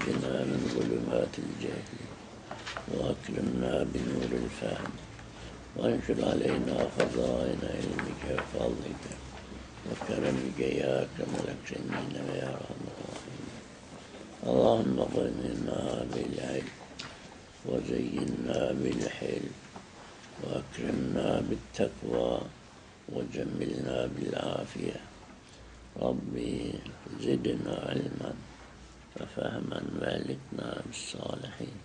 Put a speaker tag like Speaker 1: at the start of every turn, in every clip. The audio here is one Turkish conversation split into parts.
Speaker 1: ونجنا من ظلمات الجهل وأكرمنا بنور الفهم وانشر علينا خزائن علمك وفضلك وكرمك يا أكرم الأكرمين ويا أرحم الراحمين. اللهم غننا بالعلم وزينا بالحلم وأكرمنا بالتقوى وجملنا بالعافية. ربي زدنا علما وفهما والكنا بالصالحين.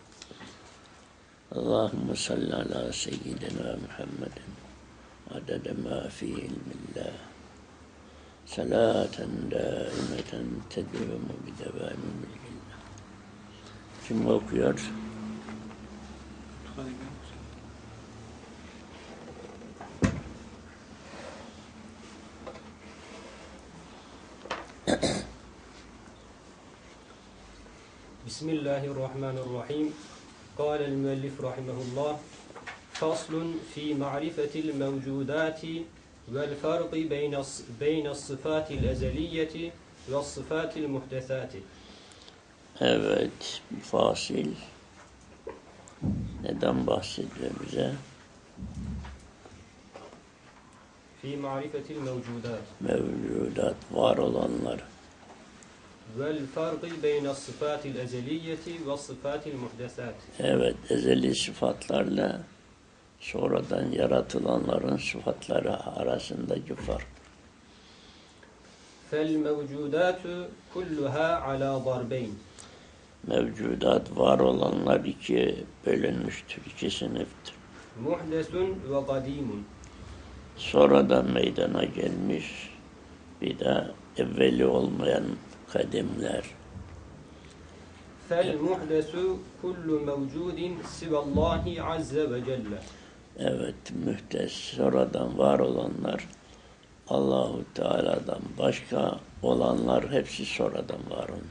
Speaker 1: اللهم صل على سيدنا محمد عدد ما في علم الله صلاة دائمة تدوم بدوام ملك الله. Kim okuyor?
Speaker 2: Bismillahirrahmanirrahim. قال المؤلف رحمه الله فصل في معرفة الموجودات والفرق بين الصفات الأزلية والصفات المحدثات.
Speaker 1: Evet, fasil. Neden bahsediyor bize?
Speaker 2: في معرفة الموجودات.
Speaker 1: Mevcudat, var olanlar.
Speaker 2: والفرق بين الصفات الأزلية والصفات المحدثات.
Speaker 1: Evet, ezeli sıfatlarla sonradan yaratılanların sıfatları arasındaki fark.
Speaker 2: فالموجودات كلها على ضربين.
Speaker 1: Mevcudat, var olanlar ikiye bölünmüştür, iki sınıftır.
Speaker 2: محدث وقديم.
Speaker 1: Sonradan meydana gelmiş, bir de evveli olmayan kadimler.
Speaker 2: فالمحدث كل موجود سوى الله عز وجل.
Speaker 1: Evet, mühtes, sonradan var olanlar, Allahu Teala'dan başka olanlar hepsi sonradan var olan.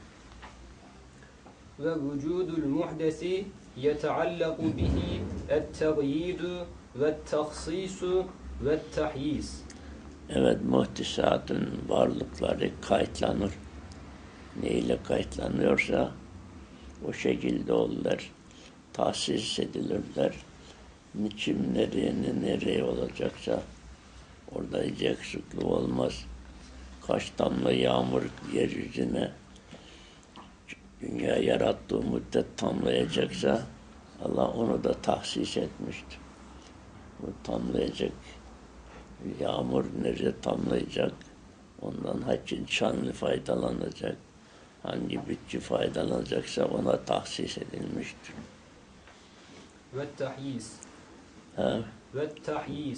Speaker 2: ووجود المحدث يتعلق به التغيير والتخصيص والتحييز.
Speaker 1: Evet, muhdisatın varlıkları kayıtlanır. Neyle kayıtlanıyorsa o şekilde olurlar, tahsis edilirler. Niçin nereye olacaksa orada hiç eksiklik olmaz. Kaç damla yağmur yeryüzüne dünya yarattığı müddet tamlayacaksa Allah onu da tahsis etmiştir. Bu tamlayacak yağmur nereye tamlayacak? Ondan hangi canlı faydalanacak? Hangi bitki faydalanacaksa ona tahsis edilmiştir.
Speaker 2: والتحييز. والتحييز.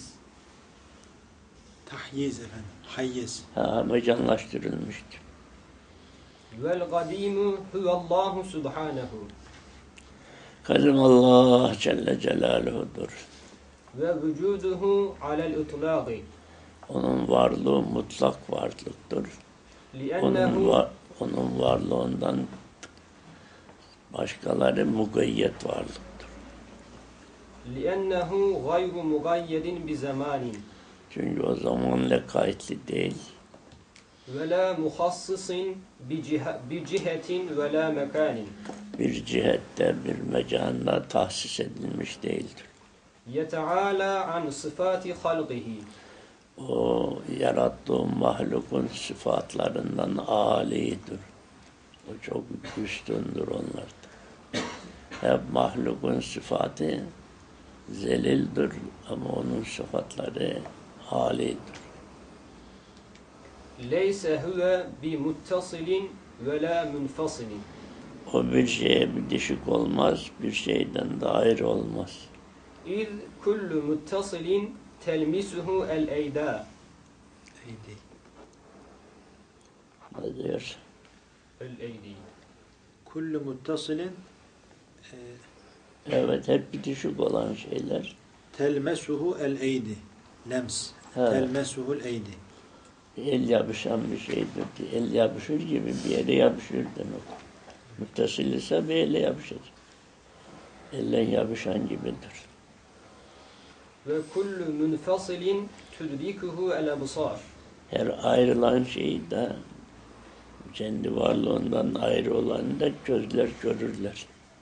Speaker 3: Tahyiz efendim. Hayyiz.
Speaker 1: Mecanlaştırılmıştır.
Speaker 2: وَالْقَدِيمُ هُوَ اللّٰهُ سُبْحَانَهُ.
Speaker 1: Kadim Allah Celle Celaluhu'dur.
Speaker 2: وَوُجُودُهُ عَلَى الْاِطْلَاقِ.
Speaker 1: Onun varlığı mutlak varlıktır. Onun varlığından başkaları mugayyet varlıktır.
Speaker 2: لِأَنَّهُ غَيْرُ مُغَيَّدٍ بِزَمَانٍ.
Speaker 1: Çünkü o zamanla kayıtlı değil.
Speaker 2: وَلَا مُخَصِّصٍ بِجِهَةٍ وَلَا مَكَانٍ.
Speaker 1: Bir cihette, bir mekanda tahsis edilmiş değildir.
Speaker 2: يَتَعَالَى عَنْ صِفَاتِ خَلْقِهِ.
Speaker 1: O yarattığı mahlukun sıfatlarından âlidir. O çok üstündür onlardan. Hep mahlukun sıfatı zelildir ama onun sıfatları âlidir.
Speaker 2: لَيْسَ هُوَ بِمُتَّصِلٍ وَلَا مُنْفَصِلٍ.
Speaker 1: O bir şeye bitişik olmaz, bir şeyden dair olmaz.
Speaker 2: اِذْ كُلُّ مُتَّصِلٍ تَلْمِسُهُ الْاَيْدَى.
Speaker 1: Ne diyor?
Speaker 2: الْاَيْدِي.
Speaker 3: Kullu muttasilin
Speaker 1: Evet, hep bitişik olan şeyler.
Speaker 3: telmesuhu el eydi. Lems.
Speaker 1: Evet.
Speaker 3: Telmesuhul eydi.
Speaker 1: El yapışan bir şeydir. El yapışır gibi bir yere yapışır demek. Muttasil ise bir ele yapışır. Elle yapışan gibidir.
Speaker 2: Ve kullu munfasilin tudrikuhu el absar.
Speaker 1: Her ayrılan şeyi de kendi varlığından ayrı olanı da gözler görürler.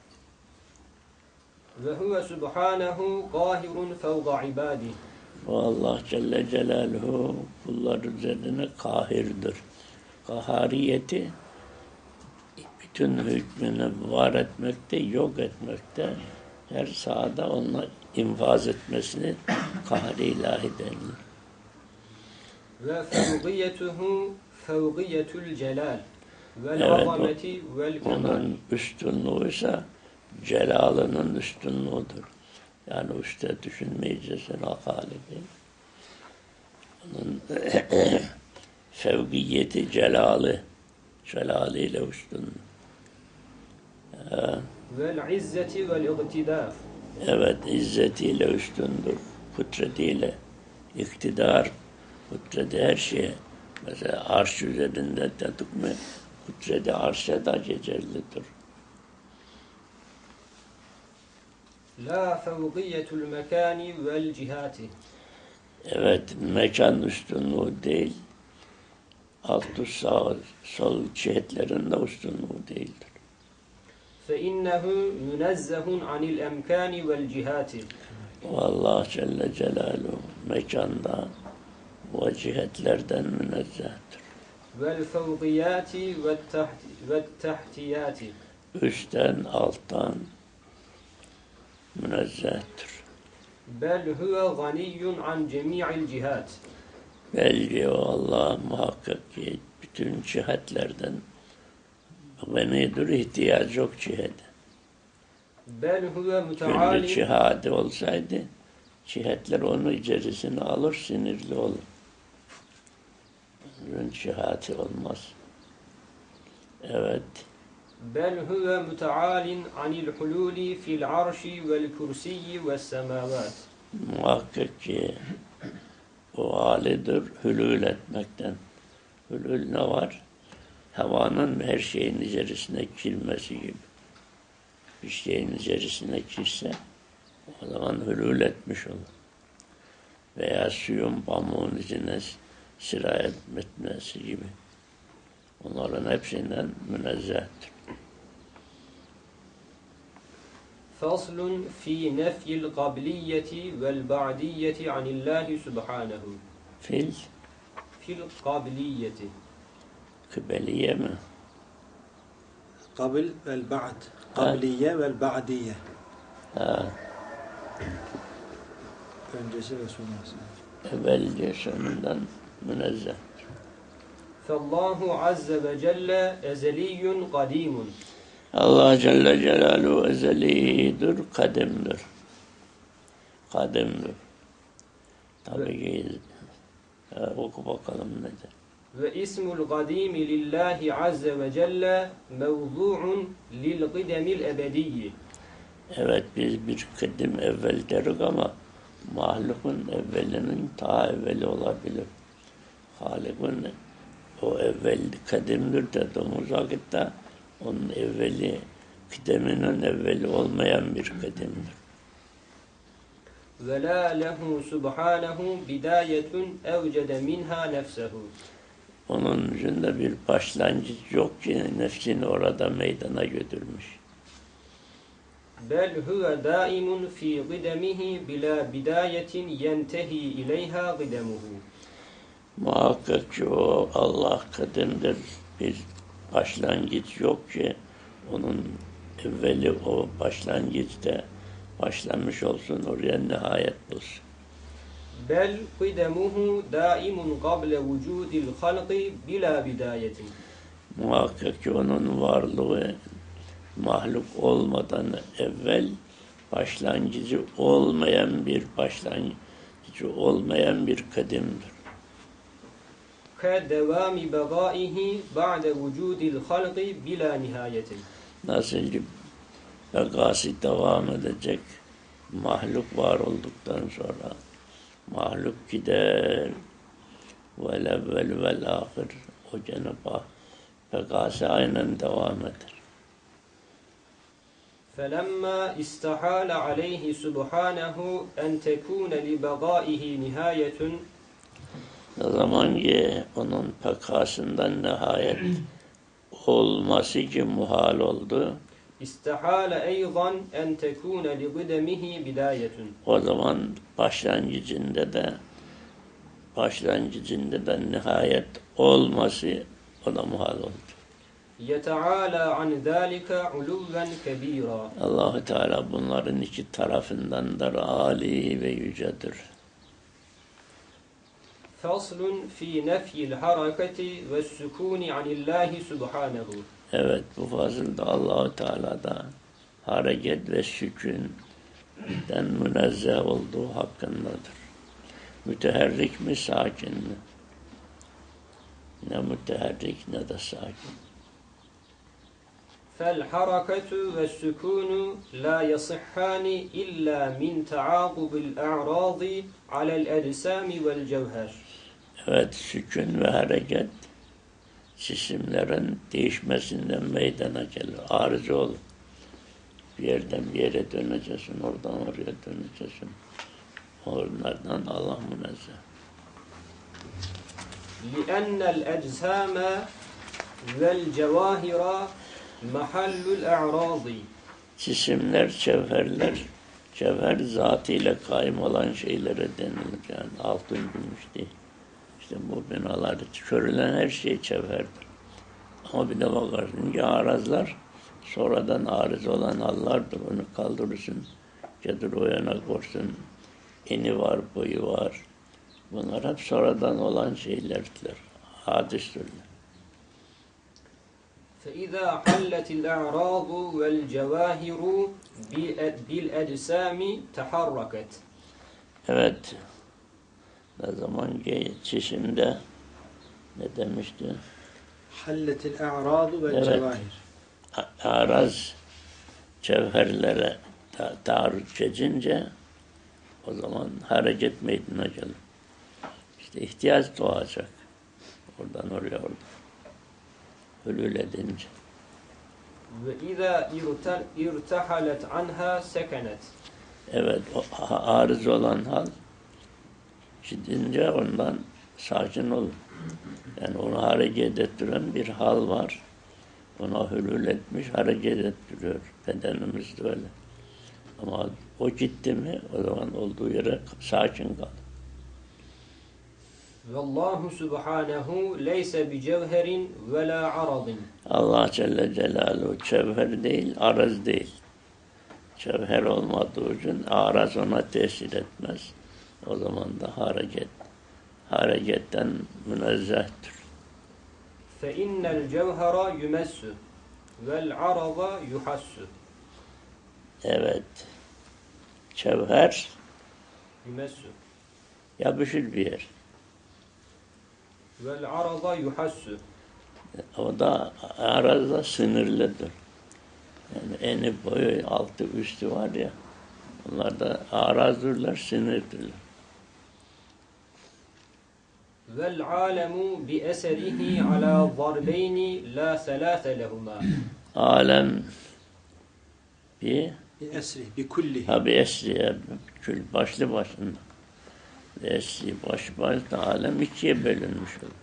Speaker 2: Ve huve subhanehu kahirun fevga ibadih.
Speaker 1: O Allah Celle Celaluhu kullar üzerine kahirdir. Kahariyeti bütün hükmünü var etmekte, yok etmekte, her sahada onunla infaz etmesini kahri ilahi denilir.
Speaker 2: Ve fevgiyetuhu fevgiyetul celal vel
Speaker 1: Evet,
Speaker 2: azameti vel kemal.
Speaker 1: onun üstünlüğü ise celalının üstünlüğüdür. Yani üstte düşünmeyeceksin halibi. Onun fevkiyeti celaliyle üstünlüğü.
Speaker 2: Vel izzeti vel iktidar.
Speaker 1: Evet, izzetiyle üstündür, kudretiyle, iktidar, kudreti her şeye. Mesela arş üzerinde dedik mi, kudreti arşa da geçerlidir.
Speaker 2: La fevgiyetul mekani vel cihati.
Speaker 1: Evet, mekan üstünlüğü değil, alt üst sağ, sol cihetlerinde üstünlüğü değildir.
Speaker 2: Fe innehu münezzehun anil emkani vel cihati.
Speaker 1: O Allah Celle Celaluhu mekanda ve cihetlerden münezzehtir.
Speaker 2: Vel fevgiyati ve tahtiyati.
Speaker 1: Üstten, alttan münezzehtir.
Speaker 2: Bel huve ganiyyun an cemi'il cihat.
Speaker 1: Belki o Allah muhakkak ki bütün cihetlerden ganidir, ihtiyacı yok cihete.
Speaker 2: Bel huve
Speaker 1: Külli
Speaker 2: müteali.
Speaker 1: cihadi olsaydı cihetler onu içerisine alır, sinirli olur. Bunun cihati olmaz. Evet.
Speaker 2: Bel huve mütealin anil hululi fil arşi vel kursiyyi ve semavat.
Speaker 1: Muhakkak ki o halidir hülül etmekten. Hülül ne var? Havanın her şeyin içerisine girmesi gibi. Bir şeyin içerisine girse o zaman hülül etmiş olur. Veya suyun pamuğun içine sirayet etmesi gibi. Onların hepsinden münezzehtir.
Speaker 2: Faslun fi nefyil kabiliyeti vel ba'diyeti anillahi subhanehu.
Speaker 1: Fil,
Speaker 2: Fil kabiliyeti.
Speaker 1: kıbeliye mi?
Speaker 3: Kabil vel ba'd. Kabiliye vel ba'diye.
Speaker 1: Ha,
Speaker 3: Öncesi ve sonrası.
Speaker 1: evvelce sonundan münezzeh.
Speaker 2: Fallahu azze ve celle ezeliyyun kadimun.
Speaker 1: Allah Celle Celaluhu ezelidir, kadimdir. Kadimdir. Tabii ki oku bakalım nedir.
Speaker 2: Ve ismul kadimi lillahi azze ve celle mevzu'un lil qidemil ebediyyi.
Speaker 1: Evet biz bir kadim evvel deriz ama mahlukun evvelinin ta evveli olabilir. Halikun o evvel kadimdir dediğimiz vakitte onun evveli, kıdeminin evveli olmayan bir kadimdir.
Speaker 2: Ve la lehu subhanehu bidayetun evcede minha nefsehu.
Speaker 1: Onun yüzünde bir başlangıç yok ki nefsini orada meydana götürmüş.
Speaker 2: Bel huve daimun fi qidemihi bila bidayetin yentehi ileyha qidemuhu.
Speaker 1: Muhakkak ki o Allah kadimdir. Bir başlangıç yok ki onun evveli o başlangıçta başlanmış olsun, oraya nihayet bulsun.
Speaker 2: Bel qidemuhu daimun qable vücudil halqi bila bidayetin.
Speaker 1: Muhakkak ki onun varlığı mahluk olmadan evvel başlangıcı olmayan bir kadimdir.
Speaker 2: Ke devami begaihi ba'de vücudil halqi bila nihayetin.
Speaker 1: Nasıl ki bekası devam edecek mahluk var olduktan sonra mahluk gider vel evvel vel ahir o Cenab-ı Hak bekası aynen devam eder.
Speaker 2: فَلَمَّا اِسْتَحَالَ عَلَيْهِ سُبْحَانَهُ اَنْ تَكُونَ لِبَغَائِهِ نِهَايَةٌ.
Speaker 1: Ne zaman ki onun pekasından nihayet olması ki muhal oldu.
Speaker 2: İstehale eyzan en tekune li gıdemihi bidayetun.
Speaker 1: O zaman başlangıcında da nihayet olması o da muhal oldu.
Speaker 2: Yeteala an zâlike uluven kebîrâ.
Speaker 1: Allah-u Teala bunların iki tarafındandır, âli ve yücedir.
Speaker 2: Faslun fi nefyil hareketi ve sükûni anillahi subhanehu.
Speaker 1: Evet, bu fazılda Allah-u Teala'da hareket ve sükûnden münezzeh olduğu hakkındadır. Müteherrik mi, sakin mi? Ne müteherrik ne de sakin.
Speaker 2: فالحركة والسكون لا يصحان إلا من تعاقب الأعراض على الأجسام والجوهر.
Speaker 1: Evet, sükun ve hareket cisimlerin değişmesinden meydana gelir. Arıza olur. Bir yerden bir yere döneceksin, oradan oraya döneceksin. Onlardan Allah münezzeh.
Speaker 2: لأن الأجسام والجواهر mahallul a'radi.
Speaker 1: Cisimler, cevher zatıyla kaim olan şeylere denilir. Yani altın, gümüş değil. İşte bu binalar, görülen her şey cevherdir. Ama bir de bakarsın ki arazlar, sonradan arız olan hallardır. Onu kaldırırsın, getir o yana korsun. Eni var, boyu var. Bunlar hep sonradan olan şeylerdir. Hadistirler.
Speaker 2: فإذا حلت الأعراض والجواهر بالأجسام تحركت.
Speaker 1: Evet. Ne zaman ki çişimde ne demişti?
Speaker 3: Halletil a'radu vel
Speaker 1: Evet.
Speaker 3: cevahir.
Speaker 1: Araz cevherlere taarruz edince o zaman hareket meydana gelir. İşte ihtiyaç doğacak. Oradan oraya oradan. Hülül edince.
Speaker 2: وإذا ارتحلت عنها سكنت.
Speaker 1: Evet, o arız olan hal gidince ondan sakin olur. Yani onu hareket ettiren bir hal var. Ona hülül etmiş, hareket ettiriyor. Bedenimiz de öyle. Ama o gitti mi o zaman olduğu yere sakin kalır.
Speaker 2: Vallahu subhanahu leyse bi cevherin ve la aradin.
Speaker 1: Allah Celle Celaluhu cevher değil, arız değil. Cevher olmadığı için araz ona tesir etmez. O zaman da hareketten münezzehtir.
Speaker 2: Fe innel cevhera yumessu vel arada yuhassu.
Speaker 1: Evet. Cevher
Speaker 2: Yumessu
Speaker 1: yapışır bir yer.
Speaker 2: vel arada yuhassu.
Speaker 1: O da arazda sınırlıdır. Yani eni boyu altı üstü var ya. Onlar da arazdırlar, sınırdırlar.
Speaker 2: Vel alemu bi eserihi ala zarbeyni la selase lehuma.
Speaker 1: Alem bir
Speaker 3: Bi esri, bi kulli.
Speaker 1: tabi esriye kül başlı başında. Esri başta alem ikiye bölünmüş olur.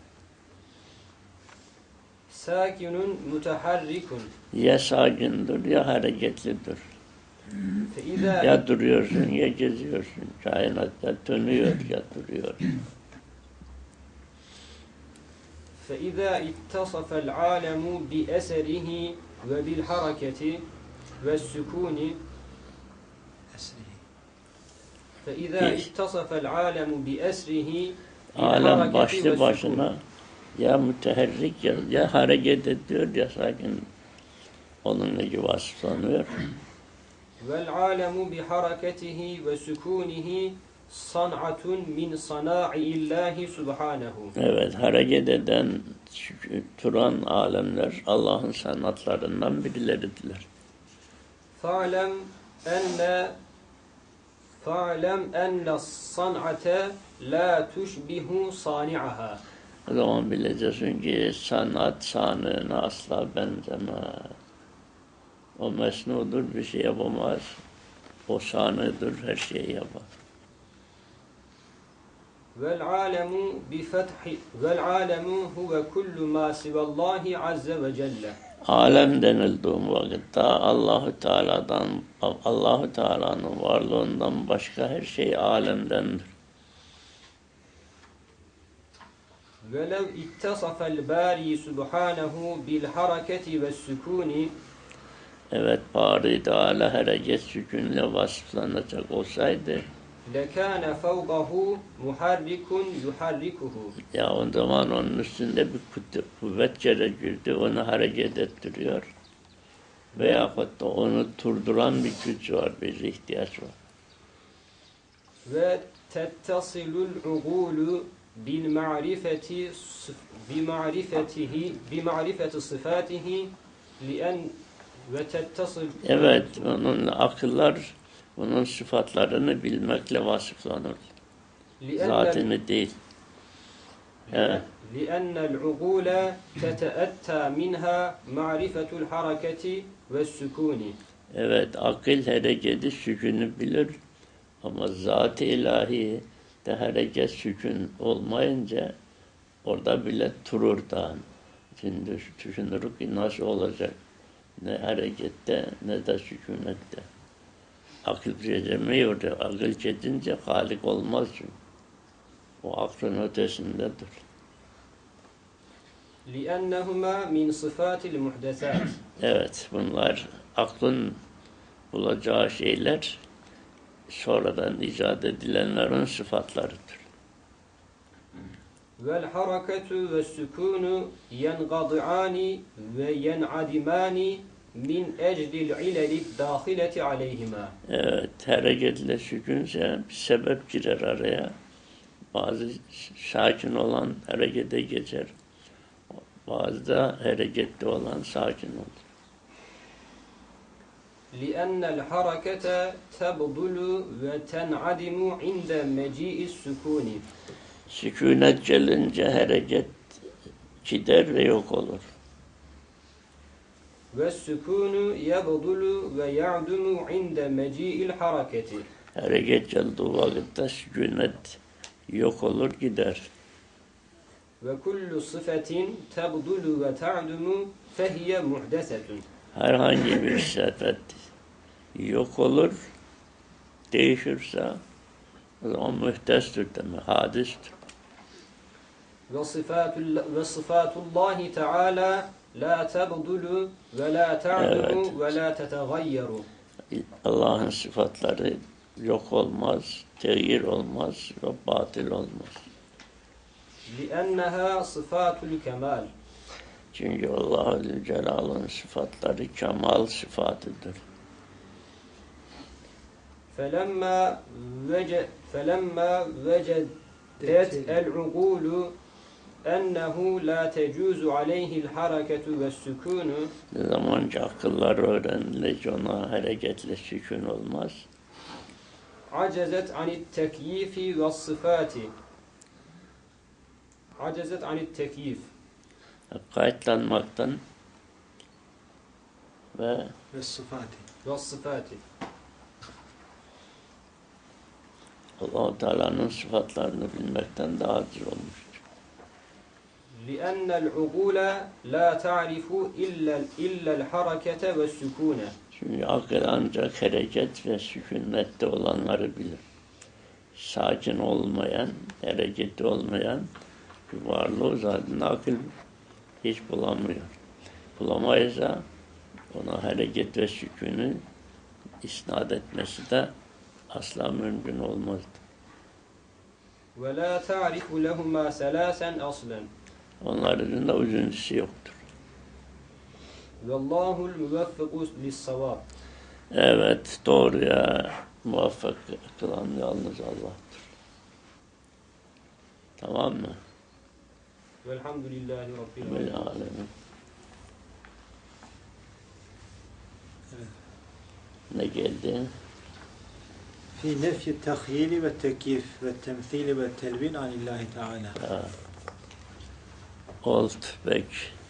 Speaker 2: Sakinun mutaharrikun.
Speaker 1: Ya sakindir ya hareketlidir.
Speaker 2: Fe izâ
Speaker 1: Ya duruyorsun ya geziyorsun. Kainatta dönüyor ya duruyor.
Speaker 2: فإذا اتصف العالم بأسره وبالحركة والسكون
Speaker 3: Esrihi.
Speaker 2: فإذا اتصف العالم بأسره
Speaker 1: Alem
Speaker 2: بالحركة
Speaker 1: başlı
Speaker 2: والسكون
Speaker 1: başına ya müteherrik ya hareket ediyor ya sakin. Onunla gibi vasıflanıyor.
Speaker 2: والعالم بحركته وسكونه صنعة من صناع الله سبحانه.
Speaker 1: Evet, hareket eden, duran alemler Allah'ın sanatlarından birileridirler.
Speaker 2: فاعلم أن الصنعة لا تشبه صانعها.
Speaker 1: O zaman bileceksin ki sanat sanığına asla benzemez. O mesnudur, bir şey yapamaz. O sanıdır, her şeyi yapar.
Speaker 2: Vel-alemu huve kullu ma sivallahi azze ve celle.
Speaker 1: Alem denildiği vakitte Allahu Teala'nın varlığından başka her şey alemdendir.
Speaker 2: Velev ittasafel bari subhanehu bil hareketi ve sükuni.
Speaker 1: Evet, Bari Teala hareket sükûnle vasıflanacak olsaydı
Speaker 2: Lekâne fevgahu muharrikun yuharrikuhu.
Speaker 1: ya o zaman onun üstünde bir kuvvet gerekirdi, onu hareket ettiriyor. Veyahut da onu durduran bir güç var, bir ihtiyaç var.
Speaker 2: Ve tettasilul ugulu bil ma'rifeti sıfatihi lien ve tettasıl.
Speaker 1: Evet, onun akıllar onun sıfatlarını bilmekle vasıflanır. Zatını değil. Evet.
Speaker 2: لِأَنَّ الْعُقُولَ تَتَأَتَّى مِنْهَا مَعْرِفَةُ الْحَرَكَةِ وَالسُّكُونِ.
Speaker 1: Evet, akıl hareketi sükûnü bilir ama zat-ı ilahi de hareket sükûn olmayınca orada bile durur da. Şimdi düşünürük ki nasıl olacak? Ne harekette ne de sükûnette. Akıl geçemiyor. Akıl geçince halik olmaz çünkü. O aklın ötesindedir.
Speaker 2: لِأَنَّهُمَا مِنْ صِفَاتِ الْمُحْدَثَاتِ.
Speaker 1: Evet, bunlar aklın bulacağı şeyler sonradan icat edilenlerin sıfatlarıdır.
Speaker 2: وَالْحَرَكَةُ وَالسُّكُونُ يَنْقَضِعَانِ وَيَنْعَدِمَانِ min eclil ileli dâhileti aleyhima.
Speaker 1: Evet, hareketle sükûnse bir sebep girer araya. Bazı sakin olan harekete geçer. Bazı da hareketli olan sakin olur.
Speaker 2: لِأَنَّ الْحَرَكَةَ تَبْضُلُ وَتَنْعَدِمُ عِنْدَ مَجِيءِ السُّكُونِ.
Speaker 1: Sükûnet gelince hareket gider ve yok olur.
Speaker 2: وَالسُّكُونُ يَبْضُلُ وَيَعْدُمُ عِنْدَ مَجِيءِ الْحَرَكَةِ.
Speaker 1: Hareket geldiği vakitte sükûnet yok olur gider.
Speaker 2: وَكُلُّ صِفَةٍ تَبْضُلُ وَتَعْدُمُ فَهِيَ مُحْدَثَةٌ.
Speaker 1: Herhangi bir sıfat yok olur, değişirse o zaman mühdestir demek, hadistir.
Speaker 2: وَصِفَاتُ اللّٰهِ تَعَالَى لَا تَبْضُلُ وَلَا تَعْدُمُ وَلَا تَتَغَيَّرُ.
Speaker 1: Allah'ın sıfatları yok olmaz, teyir olmaz ve batıl olmaz.
Speaker 2: لِأَنَّهَا صِفَاتُ الْكَمَالِ.
Speaker 1: Çünkü Allah-u Celal'ın sıfatları kemal sıfatıdır.
Speaker 2: فَلَمَّا وَجَدَتْ الْعُقُولُ أَنَّهُ لَا تَجُوزُ عَلَيْهِ الْحَرَكَةُ وَالسُّكُونُ.
Speaker 1: Ne zaman ki akıllar öğrenilince ona hareketle sükun olmaz.
Speaker 2: عَجَزَتْ عَنِ التَّكْيِيفِ وَالصِّفَاتِ. عَجَزَتْ عَنِ التَّكْيِيفِ.
Speaker 1: Kayıtlanmaktan ve
Speaker 2: وَالصِّفَاتِ.
Speaker 1: Allah-u Teala'nın sıfatlarını bilmekten daha aciz olmuştur.
Speaker 2: لِأَنَّ الْعُقُولَ لَا تَعْرِفُ إِلَّا الْحَرَكَةَ وَالسُّكُونَ.
Speaker 1: Çünkü akıl ancak hareket ve sükunette olanları bilir. Sakin olmayan, hareketli olmayan bir varlığı zaten akıl hiç bulamıyor. Bulamayızsa ona hareket ve sükûnu isnat etmesi de asla mümkün olmazdı.
Speaker 2: وَلَا تَعْرِفُ لَهُمَا سَلَاسًا أَصْلًا.
Speaker 1: Onların da üçüncüsü yoktur.
Speaker 2: وَاللّٰهُ الْمُوَفِّقُ لِلصَّوَابِ.
Speaker 1: Evet, doğruya muvaffak kılan yalnız Allah'tır. Tamam mı?
Speaker 2: Velhamdülillahi Rabbil
Speaker 1: alemin. Ne geldi?
Speaker 3: Fi nefyi tahyili ve tekyif ve temthili ve telvin anillahi teala.
Speaker 1: Oldu peki.